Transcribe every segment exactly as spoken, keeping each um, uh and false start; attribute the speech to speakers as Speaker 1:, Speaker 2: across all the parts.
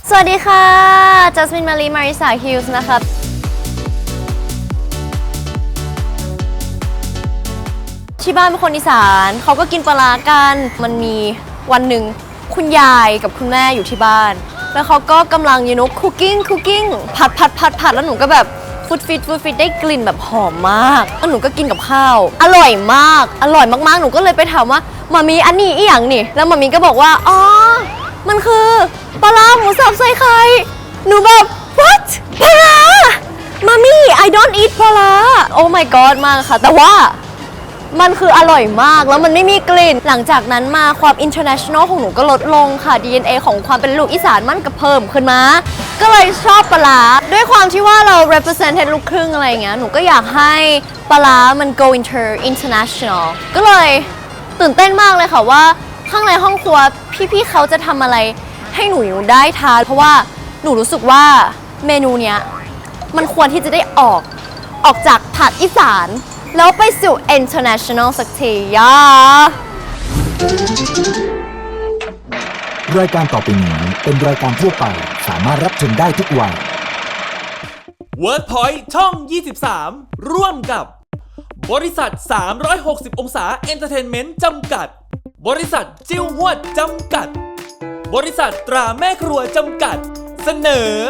Speaker 1: สวัสดีค่ะจัสมินมารีมาริสาฮิลส์นะคะที่บ้านเป็นคนอีสานเขาก็กินปลาร้ากันมันมีวันหนึ่งคุณยายกับคุณแม่อยู่ที่บ้านแล้วเขาก็กำลังยูโน่คุกกิ้งคุกกิ้งผัดผัดผัดผัดแล้วหนูก็แบบฟูดฟิตฟูดฟิตได้กลิ่นแบบหอมมากแล้วหนูก็กินกับข้าวอร่อยมากอร่อยมากๆหนูก็เลยไปถามว่ามามีอันนี้อีหยังนี่แล้วมามีก็บอกว่าอ๋อมันคือปลาร้าหมูสับใส่ไข่หนูแบบ what ปลาร้ามามี่ I don't eat ปลาร้า oh my god มากค่ะแต่ว่ามันคืออร่อยมากแล้วมันไม่มีกลิ่นหลังจากนั้นมาความ international ของหนูก็ลดลงค่ะ ดี เอ็น เอ ของความเป็นลูกอีสานมันก็เพิ่มขึ้นมาก็เลยชอบปลาร้าด้วยความที่ว่าเรา represent ลูกครึ่งอะไรอย่างเงี้ยหนูก็อยากให้ปลาร้ามัน go inter international ก็เลยตื่นเต้นมากเลยค่ะว่าข้างในห้องครัวพี่ๆเขาจะทำอะไรให้หนูได้ทานเพราะว่าหนูรู้สึกว่าเมนูเนี้ยมันควรที่จะได้ออกออกจากผัดอีสานแล้วไปสู่ international สักทีย่าร
Speaker 2: ายการต่อไปนี้เป็นรายการทั่วไปสามารถรับชมได้ทุกวัย
Speaker 3: WordPoint ช่อง ยี่สิบสาม ร่วมกับบริษัท สามร้อยหกสิบ องศาเอนเตอร์เทนเมนต์จำกัดบริษัทจิ้วหวดจำกัดบริษัทตราแม่ครัวจำกัดเสนอ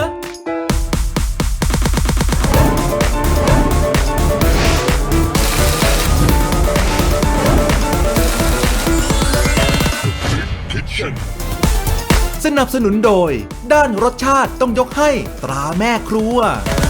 Speaker 4: สนับสนุนโดยด้านรสชาติต้องยกให้ตราแม่ครัว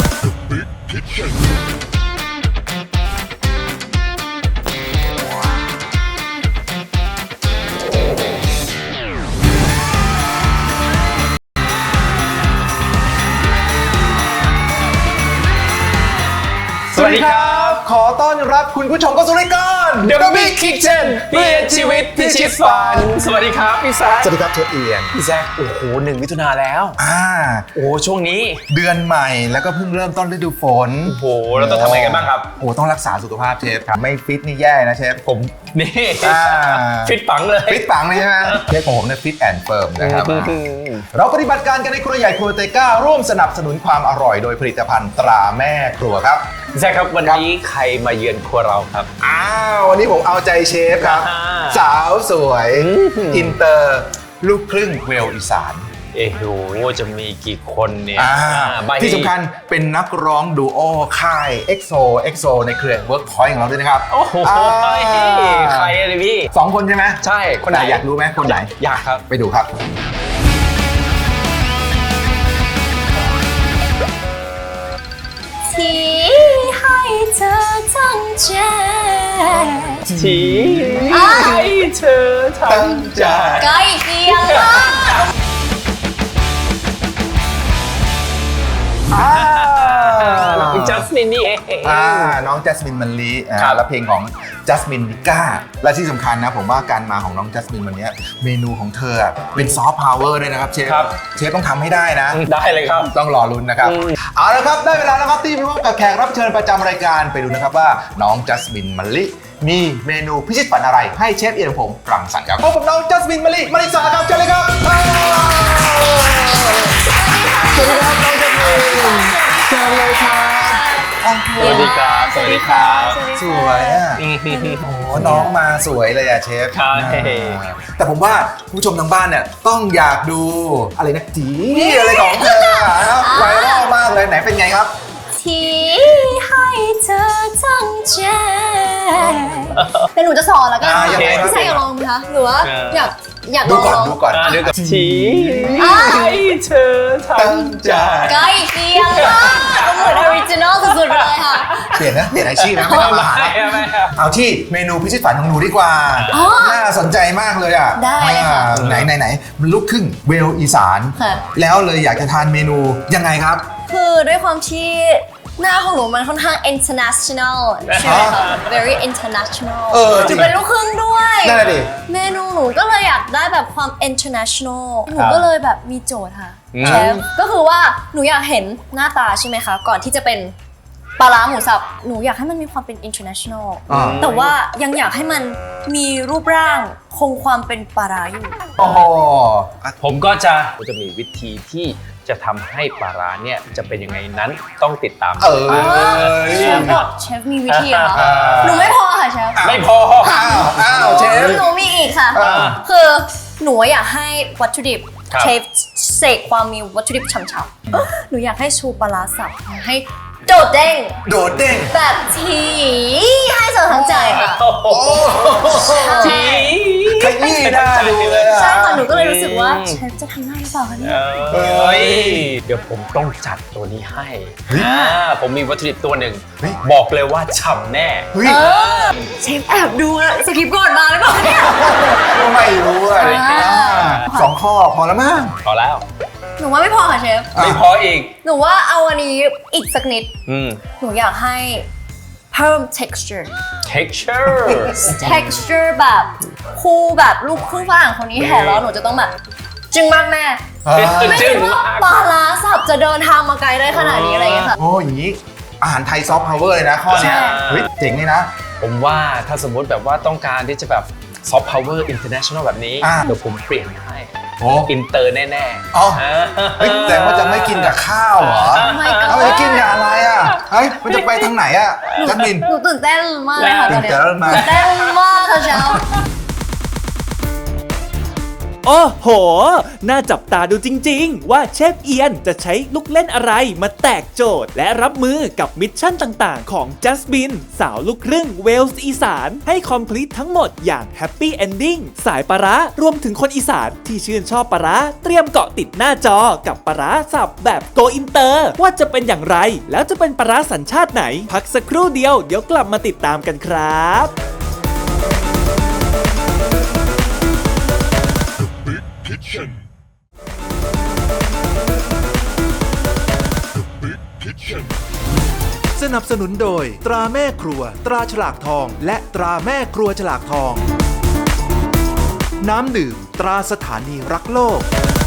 Speaker 5: สวัสดีครับขอต้อนรับคุณผู้ชมเข้าสู่รายการ
Speaker 6: The Big Kitchen เปลี่ยนชีวิตพิชิตฝันสวัสดีครับพี่แซค
Speaker 5: สวัสดีครับเชฟเอียน
Speaker 6: พี่แซคโอ้โหหนึ่งมิถุนาแล้ว
Speaker 5: อ่า
Speaker 6: โอ้ช่วงนี้
Speaker 5: เดือนใหม่แล้วก็เพิ่งเริ่มต้นฤดูฝน
Speaker 6: โอ้โหเราต้องทำอะไรกันบ้างครับ
Speaker 5: โอ้ต้องรักษาสุขภาพเชฟครับไม่ฟิตนี่แย่นะเชฟ
Speaker 6: ผมนี่ฟิตปังเลย
Speaker 5: ฟิตปังเลยใช่ไหมเชฟของผมเนี่ยฟิตแอนด์เฟิร์มนะครับเราปฏิบัติการกันในครัวใหญ่ครัวเตก้าร่วมสนับสนุนความอร่อยโดยผลิตภัณฑ์ตราแม่ครัวครับ
Speaker 6: พี่แซคครับวันนี้ใครมาเยือนครัวเราครับ
Speaker 5: อ้าววันนี้ผมเอาใจเชฟครับสาวสวยอินเตอร์ลูกครึ่งเวลอีสาน
Speaker 6: เอ้โหจะมีกี่คนเนี่ย
Speaker 5: ที่สำคัญเป็นนักร้องดูโอค่าย เอ็กโซ เอ็กโซ ในเครือ Workpoint ของเราด้วยนะครับ
Speaker 6: โอ้โหใครเลยพี่
Speaker 5: สองคนใช่ไหม
Speaker 6: ใช่
Speaker 5: คนไหนอยากรู้ไหมคนไหน
Speaker 6: อยากครับ
Speaker 5: ไปดูครับ
Speaker 1: ที่ให้เธอทั้งใจ
Speaker 6: ที่ให้เธอทั้งใจ
Speaker 1: ใกล้เคียงมาก
Speaker 6: จัสมินนี่เอง
Speaker 5: อ่าน้องจัสมินมันลีและเพลงของจัสมินนิก้าและที่สำคัญนะผมว่าการมาของน้องจัสมินวันนี้เมนูของเธอเป็นซอฟต์พาวเวอร์ด้วยนะครับเชฟเชฟต้องทำให้ได้นะ
Speaker 6: ได้เลยครับ
Speaker 5: ต้องรอลุ้นนะครับเอาละครับได้เวลาแล้วครับที่ไปพบกับแขกรับเชิญประจำรายการไปดูนะครับว่าน้องจัสมินมันลีมีเมนูพิชิตฝันอะไรให้เชฟเอียนผมรังสรรค์ครับพบกับน้องจัสมินมันลีมาริสาครับเชิญเลยครับสวัสดีครับน้องจัสมินเชิญเลยครับ
Speaker 6: สวัสดีครับสวัสดีครับ
Speaker 5: สวยอ่ะโอ้น้องมาสวยเลยอ่ะเชฟแต่ผมว่าผู้ชมทางบ้านเนี่ยต้องอยากดูอะไรนะจีอะไรของเธอครับไวรัลมากเลยไหนเป็นไงครับ
Speaker 1: ที่ให้เธอทั้งใจเป็นหนูจะสอนแล้วกันพี่ชายอยากลองไหมคะหรือว่าอยากอยากลอง
Speaker 5: ดูก่อนดูก่อน
Speaker 6: ที่ให้เธอทั้งใจ
Speaker 1: ใกล้เคียงมากเหมือนออริจินอลสุดๆเลยค่ะ
Speaker 5: เปลี่ยนนะเปลี่ยนอาชีพนะไม่ต้องมาหาเอาที่เมนูพิชิตฝันของหนูดีกว่าน่าสนใจมากเลยอ่ะ
Speaker 1: ได้ค่ะ
Speaker 5: ไหนไหนไหนมันลูกครึ่งเวลอีสานแล้วเลยอยากจะทานเมนูยังไงครับ
Speaker 1: คือด้วยความที่หน้าของหนูมันค่อนข้าง international ใช่ไหมคะ very international จะเป็นลูกครึ่งด้วย
Speaker 5: นั่นแหละดิ
Speaker 1: เมนูหนูก็เลยอยากได้แบบความ international หนูก็เลยแบบมีโจทย์ค่ะเชฟก็คือว่าหนูอยากเห็นหน้าตาใช่ไหมคะก่อนที่จะเป็นปลาร้าหมูสับหนูอยากให้มันมีความเป็น international
Speaker 5: อ่า
Speaker 1: แต่ว่ายังอยากให้มันมีรูปร่างคงความเป็นปลาร้าอยู่
Speaker 5: โอ้โห
Speaker 6: ผมก็จะจะมีวิธีที่จะทำให้ปลาร้าเนี่ยจะเป็นยังไงนั้นต้องติดตาม
Speaker 5: เออ
Speaker 1: เชฟบอกเชฟมีวิธีเหรอคะหนูไม่พอค่ะเชฟ
Speaker 6: ไม่พอ
Speaker 5: อ้าวอ้าวเชฟ
Speaker 1: หนูมีอีกค่ะ
Speaker 5: อ่า
Speaker 1: คือหนูอยากให้วัตถุดิบ
Speaker 6: ครับ
Speaker 1: เชฟเสกความมีวัตถุดิบฉ่ำๆหนูอยากให้ชูปลาร้าสับให้โดดเด้ง
Speaker 5: โดดเด้ง
Speaker 1: แบบทีให้เจอทั้งใจค่ะ
Speaker 6: โอ้โหที
Speaker 5: ขยี้หน้าดูเลยอะ
Speaker 1: ใช่ค่ะหนูก็เลยรู้สึกว่าเชฟจะทำได้หรือเปล่าคะเนี่ย
Speaker 6: เอ้ยเดี๋ยวผมต้องจัดตัวนี้ให้อ่าผมมีวัตถุดิบตัวหนึ่ง
Speaker 5: เฮ้ย
Speaker 6: บอกเลยว่าฉ่ำแน่
Speaker 5: เฮ้ย
Speaker 1: เออเชฟแอบดูนะสคริปต์ก่อนมาหรือเปล่าเนี่ย
Speaker 5: ก็ไม่รู้อะ
Speaker 1: อ่า
Speaker 5: สองข้อพอแล้วมั้ง
Speaker 6: พอแล้ว
Speaker 1: หนูว่าไม่พอค่ะเชฟ
Speaker 5: อ่ะ
Speaker 6: ไม่พออีก
Speaker 1: หนูว่าเอาอันนี้อีกสักนิด
Speaker 6: อืม
Speaker 1: หนูอยากให้เพิ่ม texture
Speaker 6: texture
Speaker 1: texture แบบคู่แบบลูกครึ่งฝรั่งคนนี้เห็นแล้วหนูจะต้องแบบจึงมากแม่
Speaker 5: อ่า
Speaker 1: ไม่
Speaker 6: จึ้
Speaker 1: คิ
Speaker 6: ง
Speaker 1: ดว่าปลาร้าสับจะเดินทางมาไกลได้ขนาดนี้อะไรอย่างเงี้ยค่ะ
Speaker 5: โอ้อย่างนี้อาหารไทยซอฟต์พาวเวอร์เลยนะข้อเนี้ย
Speaker 1: ใช่
Speaker 5: เฮ้ยเจ๋งเลยนะ
Speaker 6: ผมว่าถ้าสมมติแบบว่าต้องการที่จะแบบ soft power international แบบนี้
Speaker 5: อ่า
Speaker 6: เดี๋ยวผมเปลี่ยนให้
Speaker 5: โอ้
Speaker 6: อินเตอร์แน่ๆ
Speaker 5: อ๋อ
Speaker 6: อ่า
Speaker 5: เฮ้ยแต่ว่าจะไม่กินกับข้าวเหรอ
Speaker 1: my god
Speaker 5: เอาไปกินกับอะไรอ่ะเฮ้ยมันจะไปทางไหนอ่ะจัสมิน
Speaker 1: หนูตื่นเต้นมากเลยค่ะตอนเนี้ย
Speaker 5: ตื่นเต้นมาก
Speaker 1: ตื่นเต้นมากค่ะเช้า
Speaker 3: โอ้โห น่าจับตาดูจริงๆ ว่าเชฟเอียนจะใช้ลูกเล่นอะไรมาแตกโจทย์ และรับมือกับมิชชั่นต่างๆ ของจัสมินสาวลูกครึ่งเวลส์อีสานให้คอมพลีททั้งหมดอย่างแฮปปี้เอนดิ้งสายปลาร้ารวมถึงคนอีสานที่ชื่นชอบปลาร้าเตรียมเกาะติดหน้าจอกับปลาร้าสับแบบโกอินเตอร์ว่าจะเป็นอย่างไร แล้วจะเป็นปลาร้าสัญชาติไหน พักสักครู่เดียวเดี๋ยวกลับมาติดตามกันครับ
Speaker 4: สนับสนุนโดย ตราแม่ครัว ตราฉลากทอง และตราแม่ครัวฉลากทอง น้ำดื่ม ตราสถานีรักโลก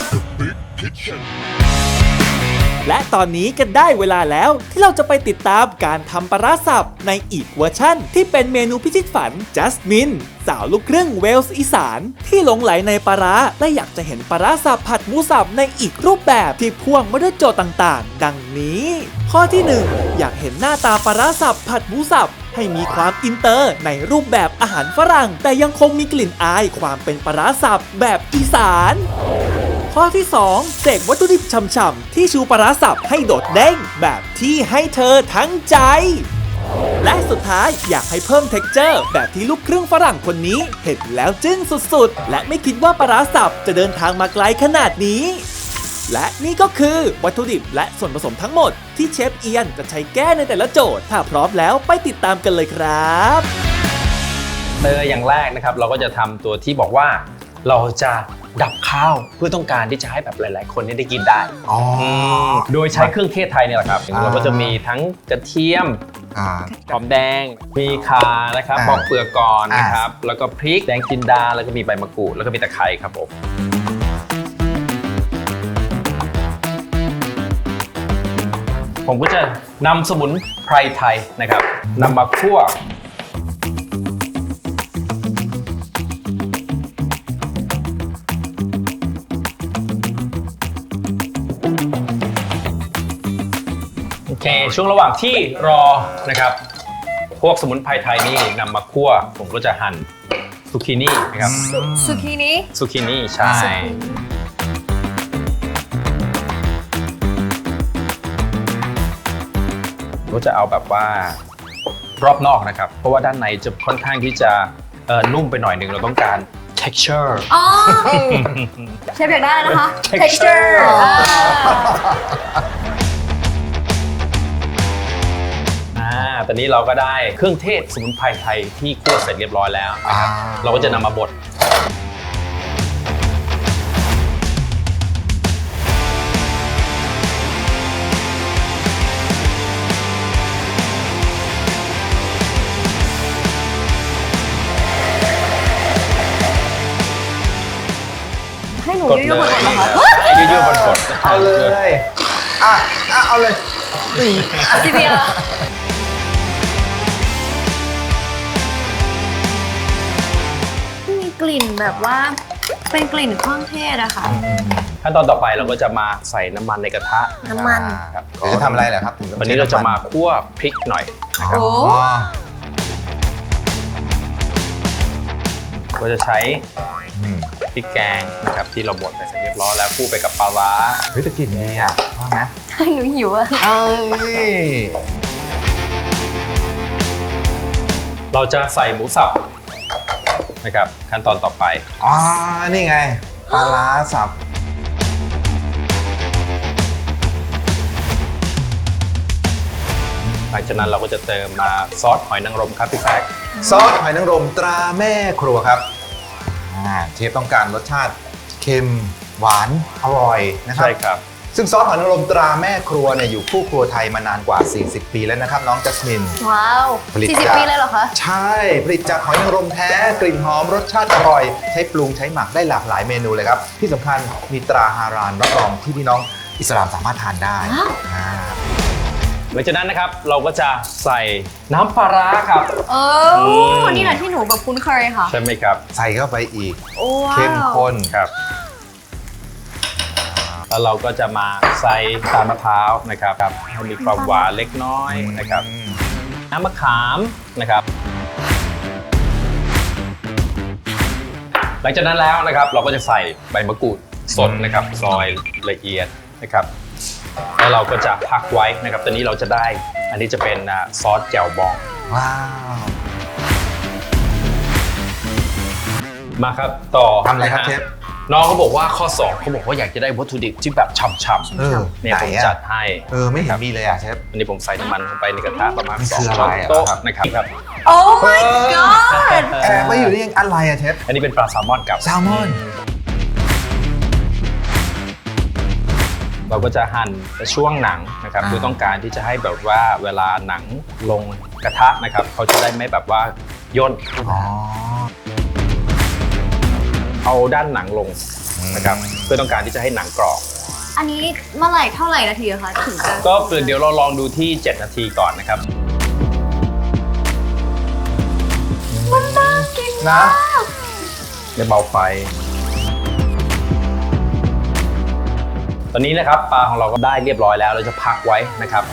Speaker 3: และตอนนี้ก็ได้เวลาแล้วที่เราจะไปติดตามการทำปลาร้าสับในอีกเวอร์ชั่นที่เป็นเมนูพิชิตฝันจัสมินสาวลูกครึ่งเวลส์อีสานที่หลงไหลในปลาร้าและอยากจะเห็นปลาร้าสับผัดหมูสับในอีกรูปแบบที่พ่วงมาด้วยโจทย์ต่างๆ ดังนี้ ข้อที่หนึ่งอยากเห็นหน้าตาปลาร้าสับผัดหมูสับให้มีความอินเตอร์ในรูปแบบอาหารฝรั่งแต่ยังคงมีกลิ่นอายความเป็นปลาร้าสับแบบอีสานข้อที่สองเสกวัตถุดิบฉ่ำๆที่ชูปลาร้าสับให้โดดเด้งแบบที่ให้เธอทั้งใจ และสุดท้ายอยากให้เพิ่มเท็กเจอร์แบบที่ลูกครึ่งฝรั่งคนนี้เห็นแล้วจึ้งสุดๆ และไม่คิดว่าปลาร้าสับจะเดินทางมาไกลขนาดนี้ และนี่ก็คือวัตถุดิบและส่วนผสมทั้งหมดที่เชฟเอียนจะใช้แก้ในแต่ละโจทย์ ถ้าพร้อมแล้วไปติดตามกันเลยครับ
Speaker 6: เตอร์อย่างแรกนะครับเราก็จะทำตัวที่บอกว่าเราจะดับข้าวเพื่อต้องการที่จะให้แบบหลาย ๆ คนได้กินได้
Speaker 5: อ๋อ
Speaker 6: โดยใช้เครื่องเทศไทยเนี่ยแหละครับเราก็จะมีทั้งกระเทียม
Speaker 5: อ่า
Speaker 6: หอมแดง มีข่านะครับ
Speaker 5: อ่า
Speaker 6: ปอกเปลือกก่อน
Speaker 5: อ่าน
Speaker 6: นะครับ แล้วก็พริกแดงจินดา แล้วก็มีใบมะกรูด แล้วก็มีตะไคร้ครับผม ผมก็จะนำสมุนไพรไทยนะครับนำมาคั่ว โอเค ช่วงระหว่างที่รอนะครับ พวกสมุนไพรไทยนี่นำมาคั่ว ผมก็จะหั่นซูกินี่นะครับ
Speaker 1: สุกี้นี้
Speaker 6: ซูกินี่ใช่ ก็จะเอาแบบว่ารอบนอกนะครับ เพราะว่าด้านในจะค่อนข้างที่จะเอ่อนุ่มไปหน่อยหนึ่งเราต้องการ texture
Speaker 1: อ๋อเชฟอยากได้นะคะ
Speaker 6: Texture
Speaker 1: texture อ่า
Speaker 6: อ่าตอนนี้เราก็ได้เครื่องเทศสมุนไพรไทยที่คั่วเสร็จเรียบร้อยแล้วนะครับ
Speaker 5: อ่า
Speaker 6: เราก็จะนำมาบด
Speaker 1: ให้หนู
Speaker 6: กด
Speaker 1: ยื
Speaker 6: เล
Speaker 1: ดๆ
Speaker 6: ย
Speaker 1: ก่อนนะคะ
Speaker 6: ยืดๆบนกด
Speaker 5: เอาเลย อ่ะอ่ะเอาเลยนี่
Speaker 1: ซีเบียกลิ่นแบบว่าเป็นกลิ่นเครื่องเทศอะค่ะ
Speaker 6: ขั้นตอนต่อไปเราก็จะมาใส่น้ำมันในกระทะ
Speaker 1: น้ำมัน
Speaker 6: ครับ
Speaker 5: หรือทำอะไรเหรอครับถึงต้อง
Speaker 6: วันนี้เราจะมาคั่วพริกหน่อยนะครับ
Speaker 1: โอ้
Speaker 5: อ๋อ
Speaker 6: ก็จะใช้
Speaker 5: อืม
Speaker 6: พริกแกงนะครับที่เราบดไปเสร็จเรียบร้อยแล้วคู่ไปกับปลาร้า
Speaker 5: เฮ้ยแต่กลิ่นดีอ่ะว่าไหม
Speaker 1: หนูหิวอะ
Speaker 5: เอ้ย
Speaker 6: เราจะใส่หมูสับนะครับขั้นตอนต่อไป
Speaker 5: อ๋อนี่ไงปลาร้าสับ
Speaker 6: หลังจากนั้นเราก็จะเติมมาซอสหอยนางรมครับพี่แซค
Speaker 5: ซอสหอยนางรมตราแม่ครัวครับอ่าเชฟต้องการรสชาติเค็มหวานอร่อยนะครับ
Speaker 6: ใช่ครับ
Speaker 5: ซึ่งซอสหอยนางรมตราแม่ครัวเนี่ยอยู่คู่ครัวไทยมานานกว่า สี่สิบ ปีแล้วนะครับน้องจัสมิน
Speaker 1: ว้าว
Speaker 5: ผลิต
Speaker 1: สี่สิบ
Speaker 5: จาก
Speaker 1: ปีเลยเหรอคะ
Speaker 5: ใช่ ผลิตจากหอยนางรมแท้ กลิ่นหอมรสชาติอร่อย ใช้ปรุงใช้หมักได้หลากหลายเมนูเลยครับ ที่สำคัญมีตราฮารานรับรองที่พี่น้องอิสลามสามารถทานได้อ่า
Speaker 6: หลังจากนั้นนะครับเราก็จะใส่น้ำปลาร้าครับ
Speaker 1: เออนี่แหละที่หนูแบบคุ้นเคยค่ะ
Speaker 6: ใช่ไหมครับ
Speaker 5: ใส่เข้าไปอีก
Speaker 1: โอ้ว้าว
Speaker 5: เข้มข้น
Speaker 6: ครับแล้วเราก็จะมาใส่ตาลมะพร้าวนะครับให้มีความหวานเล็กน้อยนะครับน้ำมะขามนะครับ หลังจากนั้นแล้วนะครับเราก็จะใส่ใบมะกรูดสดนะครับซอยละเอียดนะครับแล้วเราก็จะพักไว้นะครับตอนนี้เราจะได้อันนี้จะเป็นอ่าซอสแจ่วบอง
Speaker 5: ว้าว
Speaker 6: มาครับต่อ
Speaker 5: ทำอะไรครับ
Speaker 6: นฮ
Speaker 5: เชฟ
Speaker 6: น้องเขาบอกว่าข้อสองเขาบอกว่าอยากจะได้วัตถุดิบที่แบบฉ่ำ
Speaker 5: เออ
Speaker 6: ๆเนี่ย
Speaker 5: ไหน
Speaker 6: ผม
Speaker 5: อะ
Speaker 6: จัดให้
Speaker 5: เออ ไม่เห็นมีเลยอ่ะเชฟ
Speaker 6: วันนี้ผมใส่น้ำมันลงไปในกระทะประมาณ
Speaker 5: มัน
Speaker 6: สอง
Speaker 5: คือ
Speaker 6: ช้
Speaker 5: อะ
Speaker 6: อน
Speaker 5: ไรอะ
Speaker 6: โต๊ะ
Speaker 5: ครับ
Speaker 6: นะครับครับ
Speaker 1: โอ้ my god
Speaker 5: แอบไปอยู่นี่ยังอะไรอ่ะเชฟ
Speaker 6: อันนี้เป็นปลาแซลมอนกับ
Speaker 5: แซลมอน
Speaker 6: เราก็จะหั่นช่วงหนังนะครับ
Speaker 5: อ่า
Speaker 6: คือต้องการที่จะให้แบบว่าเวลาหนังลงกระทะนะครับเขาจะได้ไม่แบบว่าย่น
Speaker 5: อ๋อ
Speaker 6: เอาด้านหนังลงนะครับเพื่อต้องการที่จะให้หนังกรอบ
Speaker 1: อันนี้เมื่อไหร่เท่าไหร่นาทีอะคะถึงจะ
Speaker 6: ก็เดี๋ยวเราลองดูที่เจ็ดนาทีก่อนนะครับ
Speaker 1: มันน่ากิน
Speaker 5: นะ
Speaker 6: เดี๋ยวเบาไฟ ตอนนี้นะครับปลาของเราก็ได้เรียบร้อยแล้วเราจะพักไว้นะครับ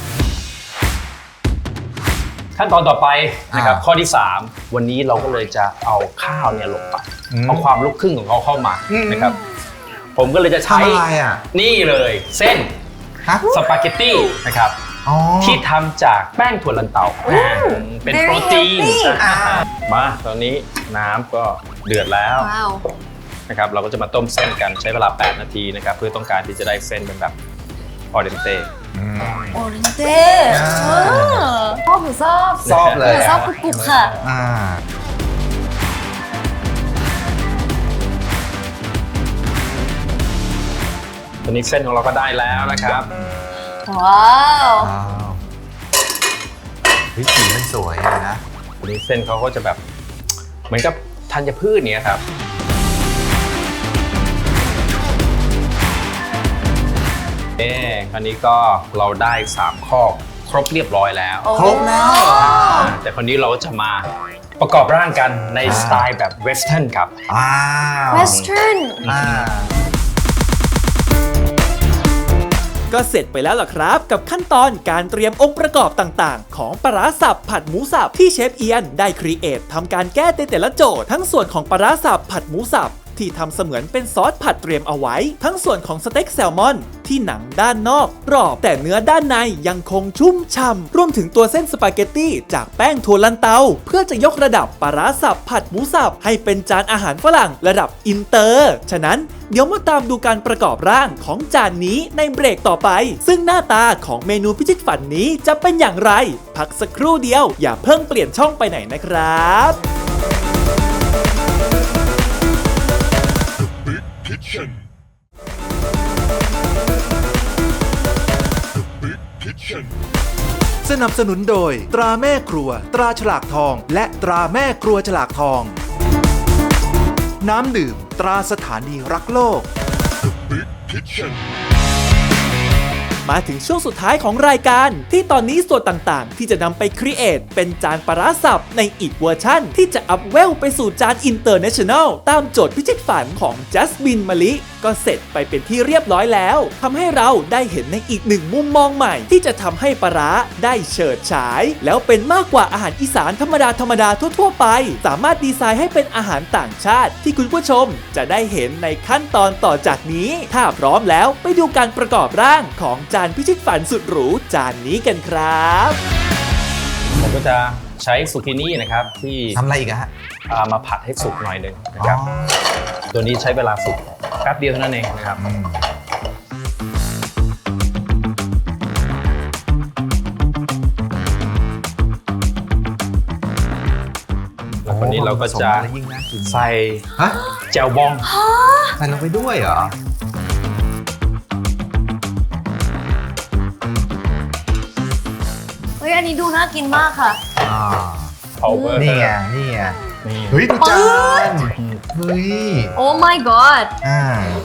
Speaker 6: ขั้นตอนต่อไปนะครับ
Speaker 5: อ่า
Speaker 6: ข้อที่สามวันนี้เราก็เลยจะเอาข้าวเนี่ยลงไป
Speaker 5: อืม
Speaker 6: เอาความลูกครึ่งของเขาเข้ามา
Speaker 5: อืม
Speaker 6: นะครับ ผมก็เลยจะใช้
Speaker 5: ทำอะไรอ่ะ
Speaker 6: นี่เลยเส้น
Speaker 5: ฮะ
Speaker 6: สปาเกตตี้นะครับ
Speaker 5: อ๋อ
Speaker 6: ที่ทำจากแป้งถั่วลันเตาเป็น
Speaker 1: very
Speaker 6: โปรตีน
Speaker 1: healthy
Speaker 6: อ่ามาตอนนี้น้ำก็เดือดแล้ว
Speaker 1: ว้าว
Speaker 6: นะครับเราก็จะมาต้มเส้นกันใช้เวลาแปดนาทีนะครับเพื่อต้องการที่จะได้เส้นเป็นแบบออเดนเต้
Speaker 5: อืม
Speaker 1: โอเรนเต้ชอบหนูชอบ
Speaker 5: ชอบเลย
Speaker 1: หนูชอบกรุบๆค่ะ
Speaker 5: อ่า
Speaker 6: ตอนนี้เส้นของเราก็ได้แล้วนะครับ
Speaker 1: ว้าว
Speaker 5: ว้าวเฮ้ยสีมันสวยเลยนะ
Speaker 6: ตอนนี้เส้นเขาก็จะแบบเหมือนกับธัญพืชเนี่ยครับเอ๊ะคราวนี้ก็เราได้สามข้อครบเรียบร้อยแล้ว
Speaker 5: ครบแล้วเหรอ
Speaker 6: แต่คราวนี้เราจะมาประกอบร่างกันในสไตล์แบบเวสเทิร์นครับ
Speaker 5: ว้าว
Speaker 1: western
Speaker 5: อ่า
Speaker 3: ก็เสร็จไปแล้วล่ะครับ กับขั้นตอนการเตรียมองค์ประกอบต่างๆ ของปลาร้าสับผัดหมูสับที่เชฟเอียนได้ครีเอททำการแก้ในแต่ละโจทย์ทั้งส่วนของปลาร้าสับผัดหมูสับที่ทำเสมือนเป็นซอสผัดเตรียมเอาไว้ ทั้งส่วนของสเต็กแซลมอนที่หนังด้านนอกกรอบแต่เนื้อด้านในยังคงชุ่มฉ่ำรวมถึงตัวเส้นสปาเกตตี้จากแป้งถั่วลันเตาเพื่อจะยกระดับปลาร้าสับผัดหมูสับให้เป็นจานอาหารฝรั่งระดับอินเตอร์ฉะนั้นเดี๋ยวมาตามดูการประกอบร่างของจานนี้ในเบรกต่อไป ซึ่งหน้าตาของเมนูพิชิตฝันนี้จะเป็นอย่างไร พักสักครู่เดียวอย่าเพิ่งเปลี่ยนช่องไปไหนนะครับ
Speaker 4: สนับสนุนโดยตราแม่ครัว ตราฉลากทอง และตราแม่ครัวฉลากทอง น้ำดื่ม ตราสถานีรักโลก
Speaker 3: มาถึงช่วงสุดท้ายของรายการที่ตอนนี้ส่วนต่างๆที่จะนำไปครีเอทเป็นจานปลาร้าสับในอีกเวอร์ชั่นที่จะอัพเวลไปสู่จานอินเตอร์เนชั่นแนลตามโจทย์พิชิตฝันของจัสมินมะลิก็เสร็จไปเป็นที่เรียบร้อยแล้วทำให้เราได้เห็นในอีกหนึ่งมุมมองใหม่ที่จะทำให้ปลาร้าได้เฉิดฉายแล้วเป็นมากกว่าอาหารอีสานธรรมดาธรรมดาทั่วๆไปสามารถดีไซน์ให้เป็นอาหารต่างชาติที่คุณผู้ชมจะได้เห็นในขั้นตอนต่อจากนี้ถ้าพร้อมแล้วไปดูการประกอบร่างของจานพิชิตฝันสุดหรูจานนี้กันครับ
Speaker 6: ผมก็จะใช้ซูกินี่นะครับที่
Speaker 5: ทำอะไรอีกอะฮะ
Speaker 6: เอามาผัดให้สุกหน่อยหนึงนะครับ
Speaker 5: อ๋อ
Speaker 6: ตัวนี้ใช้เวลาสุกแป๊บเดียวเท่านั้นเองนะครับ
Speaker 5: อืม
Speaker 6: แล้ววันนี้เราก็จะ
Speaker 5: ผสมอะไรยิ่งน่ากิน
Speaker 6: ใส่
Speaker 5: ฮะ
Speaker 6: แจ่วบอง
Speaker 5: ใส่ลงไปด้วยเหรอ
Speaker 1: เฮ้ยอันนี้ดูน่ากินมากค่ะ
Speaker 5: อ่า
Speaker 6: power
Speaker 5: นี่ไง นี่ไง
Speaker 6: นี่
Speaker 5: เฮ้ยดูจานเฮ้ย
Speaker 1: โอ้ my god
Speaker 5: อ่า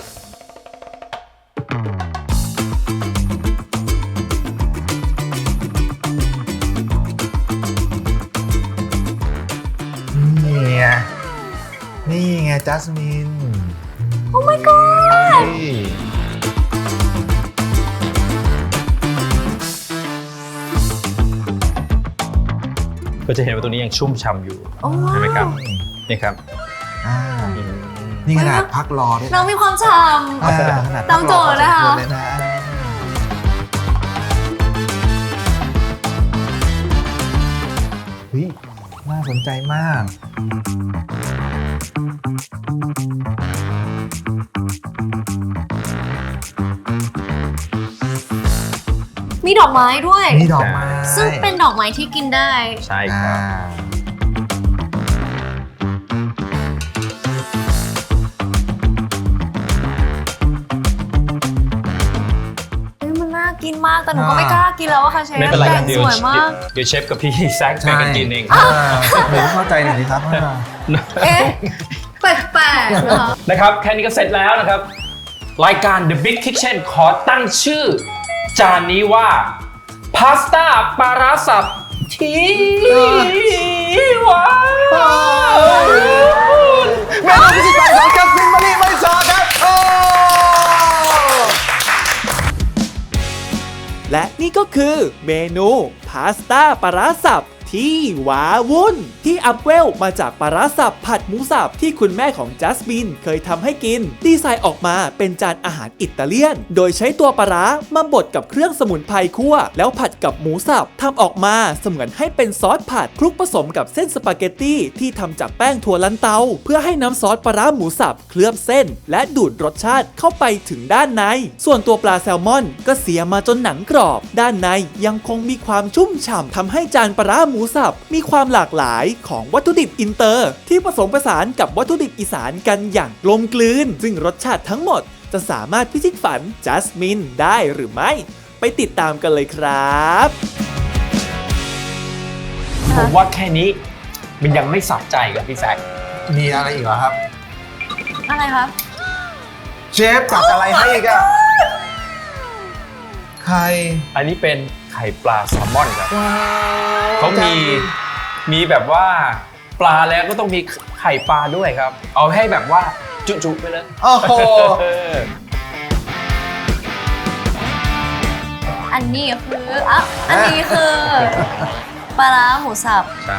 Speaker 5: นี่ไง นี่ไงจัสมิน
Speaker 1: โอ้ my god
Speaker 5: นี่
Speaker 6: ก็จะเห็นว่าตัวนี้ยังชุ่มฉ่ำอยู่
Speaker 1: โอ้
Speaker 6: ใช่ไหมครับนี่ครับ
Speaker 5: อ่า นี่ขนาดพักรอด้วย
Speaker 1: น้องมีความฉ่
Speaker 5: อ่าขนาด
Speaker 1: ตามโจทย์นะคะ
Speaker 5: พักรอพอสมวรเลยนะเฮ้ย น่าสนใจมาก
Speaker 1: ำมีดอกไม้ด้วย
Speaker 5: มีดอกไม้
Speaker 1: ซึ่งเป็นดอกไม้ที่กินได้
Speaker 6: ใช่ค
Speaker 5: อ่า
Speaker 6: รับ
Speaker 1: เฮ้ยมันน่ากินมากแต่หนูก็ไม่กล้ากินแล้วอะค่ะเชฟ
Speaker 6: ไม่เป็นไร
Speaker 1: แต่
Speaker 6: ครับ
Speaker 1: ง
Speaker 6: เดี๋ย
Speaker 1: ส
Speaker 6: ว
Speaker 1: วยมาก
Speaker 6: เดี๋ยวเชฟกับพี่แซคแบ่งกันกินเอง
Speaker 5: อ่าหนูเข้าใจหน่อยสิครับว่า
Speaker 1: เอ๊ะแปลกๆนะคะ
Speaker 6: นะครับแค่นี้ก็เสร็จแล้วนะครับ รายการ The Big Kitchen ขอตั้งชื่อ จานนี้ว่าพาสต้าปลาร้าสับที่ว้าว
Speaker 5: แม่พิชิตฝันของจัสมินมะลิไม่ซอครับโอ้
Speaker 3: และนี่ก็คือเมนูพาสต้าปลาร้าสับที่ว้าวุ่นที่อัพเวลมาจากปลาร้าสับผัดหมูสับที่คุณแม่ของจัสมินเคยทำให้กินดีไซน์ออกมาเป็นจานอาหารอิตาเลียนโดยใช้ตัวปลาร้ามาบดกับเครื่องสมุนไพรคั่วแล้วผัดกับหมูสับทำออกมาเสมือนให้เป็นซอสผัดคลุกผสมกับเส้นสปาเกตตี้ที่ทำจากแป้งถั่วลันเตาเพื่อให้น้ำซอสปลาร้าหมูสับเคลือบเส้นและดูดรสชาติเข้าไปถึงด้านในส่วนตัวปลาแซลมอนก็เสียมาจนหนังกรอบด้านในยังคงมีความชุ่มฉ่ำทำให้จานปลาร้าหมูสับมีความหลากหลายของวัตถุดิบอินเตอร์ที่ผสมผสานกับวัตถุดิบอีสานกันอย่างกลมกลืนซึ่งรสชาติทั้งหมดจะสามารถพิชิตฝันจัสมินได้หรือไม่ไปติดตามกันเลยครับ
Speaker 6: ผมว่าแค่นี้มันยังไม่สะใจกับพี่แซค
Speaker 5: มีอะไรอีกเหรอครับ
Speaker 1: อะไรครับ
Speaker 5: เชฟตักอะไรให้อีกอะไข่
Speaker 6: อันนี้เป็นไข่ปลาแซลมอนครับ
Speaker 5: ว้าว
Speaker 6: เขามีมีแบบว่าปลาแล้วก็ต้องมีไข่ปลาด้วยครับ เอาให้แบบว่าจุๆไปเลย
Speaker 5: โอ้โห
Speaker 1: อันนี้คืออ่ะอันนี้คือปลาร้าหมูสับ
Speaker 6: ใช่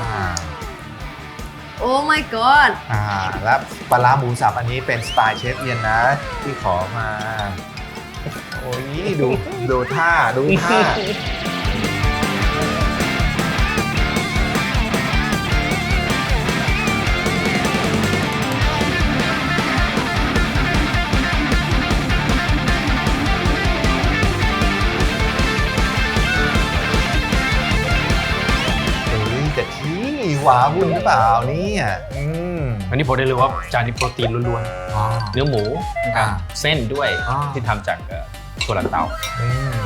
Speaker 1: โอ้ my god
Speaker 5: อ่าแล้วปลาร้าหมูสับอันนี้เป็นสไตล์เชฟเอียนนะ ที่ขอมา โอ้ยดูดูท่าดูท่า แต่ที่หวาวุ่นหรือเปล่าเนี่ยอืม
Speaker 6: อันนี้ผมได้รู้ว่าจานนี้โปรตีนล้วน
Speaker 5: อ๋อ
Speaker 6: ๆ เนื้อหมูนะครับ
Speaker 5: อ่า
Speaker 6: เส้นด้วย
Speaker 5: อ่า
Speaker 6: ที่ทำจากเอ่อถั่วลันเตา
Speaker 5: อืม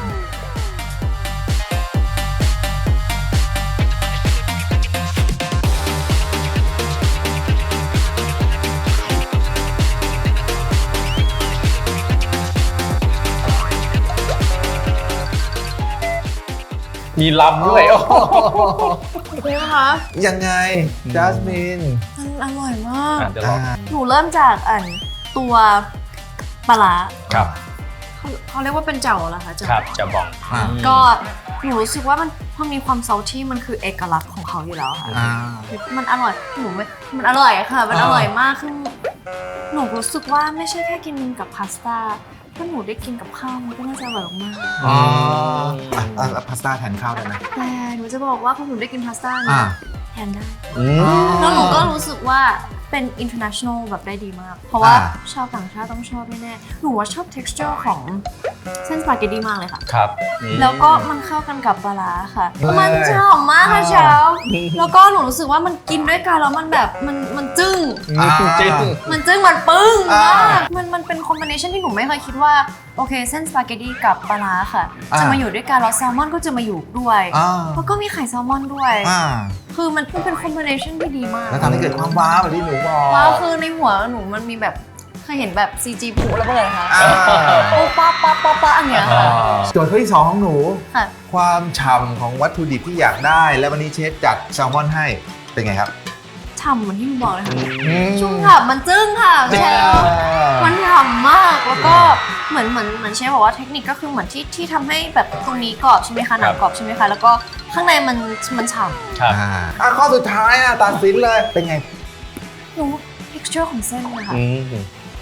Speaker 6: มีลำด้วยโอ้โห
Speaker 1: ใช่ไหมคะ
Speaker 5: ยังไงจัสมิน
Speaker 1: มันอร่อยมาก
Speaker 6: อ่ะเดี๋ยวลอง
Speaker 1: หนูเริ่มจากอันตัวปลาร้า
Speaker 6: ครับ
Speaker 1: เขาเขาเรียกว่าเป็นเจ่าเหรอคะเจ่า
Speaker 6: ครับจะบอก
Speaker 5: อ่า
Speaker 1: ก็หนูรู้สึกว่ามันพอมีความซอลที่มันคือเอกลักษณ์ของเขาอยู่แล้วค่ะ
Speaker 5: อ่า
Speaker 1: มันอร่อยหนูไม่มันอร่อยค่ะ มัน
Speaker 5: อ่า
Speaker 1: อร่อยมากคือหนูรู้สึกว่าไม่ใช่แค่กินกับพาสต้าถ้าหนูได้กินกับข้าวมันก็น่าจะอร่อยมาก
Speaker 5: อ๋ออ่ะอ่ะพาสต้าแทนข้าวได้ไหม
Speaker 1: แต่หนูจะบอกว่าพอหนูได้กินพาสต้า
Speaker 5: อ่า
Speaker 1: เนี่ยแทนได้
Speaker 5: อืม
Speaker 1: แล้วหนูก็รู้สึกว่าเป็น international แบบได้ดีมาก เพราะว่า
Speaker 5: อ่า
Speaker 1: ชาวต่างชาติต้องชอบแน่ๆหนูว่าชอบ texture ของเส้นสปาเกตตี้มากเลยค่ะ
Speaker 6: ครับนี่
Speaker 1: แล้วก็มันเข้ากันกับปลาร้าค่ะ
Speaker 5: เฮ้ย
Speaker 1: มันจะหอมมากค่ะ
Speaker 5: อ่า
Speaker 1: เช้า แล้วก็หนูรู้สึกว่ามันกินด้วยกันแล้วมันแบบมันมันจึ้ง
Speaker 5: อ่า
Speaker 6: จริง
Speaker 1: มันจึ้งมันปึ้ง
Speaker 5: อ่าม
Speaker 1: ากมันมันเป็นคอมบิเนชันที่หนูไม่เคยคิดว่าโอเคเส้นสปาเกตตี้กับปลาร้าค่ะ
Speaker 5: อ่า
Speaker 1: จะมาอยู่ด้วยกันแล้วแซลมอนก็จะมาอยู่ด้วย
Speaker 5: อ่า
Speaker 1: แล้วก็มีไข่แซลมอนด้วย
Speaker 5: อ่า
Speaker 1: คือมันมันเป็นคอมบิเนชันที่ดีมาก
Speaker 5: แล้วทำให้เกิดความว้าวแบบที่หนูบอก
Speaker 1: ว้าวคือในหัวหนูมันมีแบบเคยเห็นแบบ ซี จี ผูระเบิดคะ
Speaker 5: อ่า
Speaker 1: โอ้ป๊าป๊าป๊าป๊าอย่างเงี้ยค่ะ
Speaker 5: โจทย์ข้อที่สองของหนู
Speaker 1: ค่ะ
Speaker 5: ความฉ่ำของวัตถุดิบที่อยากได้ และวันนี้เชฟจัดแซลมอนให้เป็นไงครับ
Speaker 1: ฉ่ำเหมือนที่หนูบอกเลยค่ะ
Speaker 5: อืม
Speaker 1: ชุ่มฉ่ำมันจึ้งค่ะ
Speaker 5: อ่า
Speaker 1: เชฟมันฉ่ำมากแล้วก็เหมือนเหมือนเหมือนเชฟบอกว่าเทคนิคก็คือเหมือนที่ที่ทำให้แบบตรงนี้กรอบใช่ไหมคะหนังกรอบใช่ไหมคะแล้วก็ข้างในมันมันฉ่
Speaker 6: ครับ
Speaker 5: อ่าอ่ะข้อสุดท้ายอ่ะตัดสินเลยเป็นไง
Speaker 1: ำหนู texture ของเส้นนะคะ
Speaker 6: อืม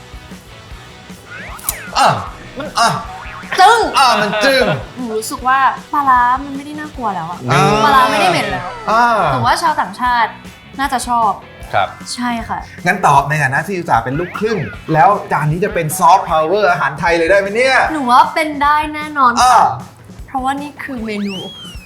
Speaker 5: อ่ะมันอ่ะ
Speaker 1: จึ้ง
Speaker 5: อ่ะมันจึ้ง
Speaker 1: หนูรู้สึกว่าปลาร้ามันไม่ได้น่ากลัวแล้วอะ
Speaker 5: อ่า
Speaker 1: ปลาร้าไม่ได้เหม็นแล้ว
Speaker 5: อ่า
Speaker 1: แต่ว่าชาวต่างชาติน่าจะชอบ
Speaker 6: ครับ
Speaker 1: ใช่ค่ะ
Speaker 5: งั้นตอบในฐานะที่อุตส่าห์เป็นลูกครึ่ง แล้วจานนี้จะเป็นซอฟต์พาวเวอร์อาหารไทยเลยได้ไหมเนี่ย
Speaker 1: หนูว่าเป็นได้แน่นอน
Speaker 5: อ่า
Speaker 1: ค่ะ เพราะว่านี่คือเมนู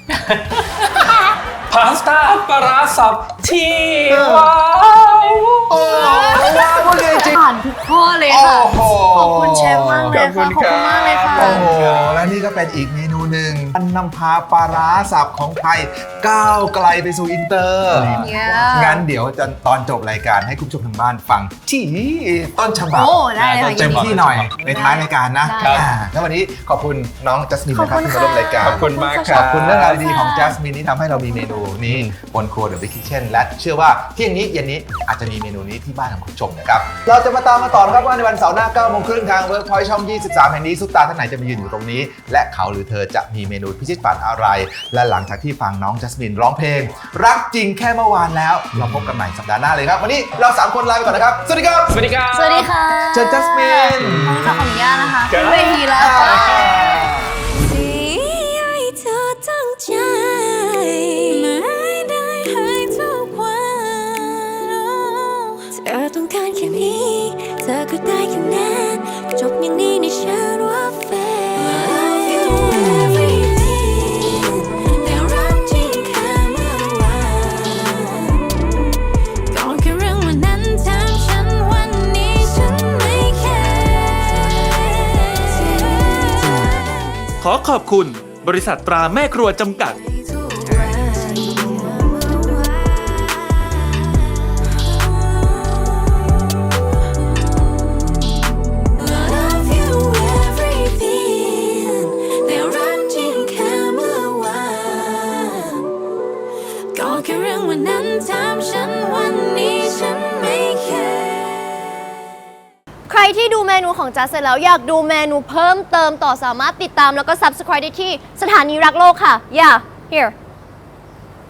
Speaker 6: พาสต้าปลาร้าสับที่ว้าว
Speaker 5: โอ้ว้าวเลยจริง
Speaker 1: ผ่านทุกข้อเลยค่ะ
Speaker 5: โอ้โห
Speaker 1: ขอบคุณเชฟมากเลยค่ะ ขอบคุณมากเลยค่ะ
Speaker 5: โอ้โห และนี่ก็เป็นอีกเมนูหนึ่งอันนำพาปลาร้าสับของไทยก้าวไกลไปสู่อินเตอร์
Speaker 1: เนี่ย
Speaker 5: งั้นเดี๋ยวจะตอนจบรายการให้คุณผู้ชมทางบ้านฟังที่ต้นฉบับ
Speaker 1: โอ้ได้เลยค่ะ
Speaker 5: เต็มที่หน่อยในท้ายรายการนะ
Speaker 1: ได้
Speaker 5: อ่าแล้ววันนี้ขอบคุณน้องจัสมินนะครับ
Speaker 1: ขอบคุณ
Speaker 5: ที่มาร่วมรายการ
Speaker 6: ขอบคุณมากค
Speaker 5: ข
Speaker 6: รั
Speaker 5: อ
Speaker 6: บบ
Speaker 5: คุณเรื่องราวดีๆของจัสมินที่ทำให้เรามีเมนูนี้บนครัวเดอะบิ๊กคิทเช่นและเชื่อว่าเที่ยงนี้เย็นนี้อาจจะมีเมนูนี้ที่บ้านของคุณผู้ชมนะครับเราจะมาตามมาต่อนะครับว่าในวันเสาร์หน้าเก้าโมงครึ่งทางเวิร์กพอยต์ช่องยี่สิบสามแห่งนี้ซุปตาท่านไหนจะมายืนอยู่ตรงนี้ และเขาหรือเธอจะมีเมนูพิชิตฝันอะไร และหลังจากที่ฟังน้องจัสมินร้องเพลง รักจริงแค่เมื่อวานแล้วเราพบกันใหม่สัปดาห์หน้าเลยครับวันนี้เราสามคนลาไปก่อนนะครับสวัสดีครับ
Speaker 6: สวัสดีครับ
Speaker 1: สวัสดีค่ะ
Speaker 5: เชิญจัสมิน
Speaker 1: ขออนุญาตนะคะ
Speaker 6: ครับ
Speaker 1: ขึ้นเวทีแล้ว
Speaker 7: ที่ให้เธอตั้งใจไม่ได้ให้ทุกวันเธอต้องการแค่นี้ เธอก็ได้แค่นั้นจบอย่างนี้ในฉันว่าแฟน Love you everything แต่รักจริงแค่เมื่อวานก่อนแค่เรื่องวันนั้นถามฉันวันนี้ฉันไม่แคร์
Speaker 3: ขอขอบคุณบริษัทตราแม่ครัวจำกัด
Speaker 7: Love you everything แต่รักจริงแค่เมื่อวานก็แค่เรื่องวันนั้นถามฉันวันนี้ฉันไม่แคร์
Speaker 1: ใครที่ดูเมนูของจัสเสร็จแล้วอยากดูเมนูเพิ่มเติมต่อสามารถติดตามแล้วก็ Subscribe ได้ที่สถานีรักโลกค่ะ yeah here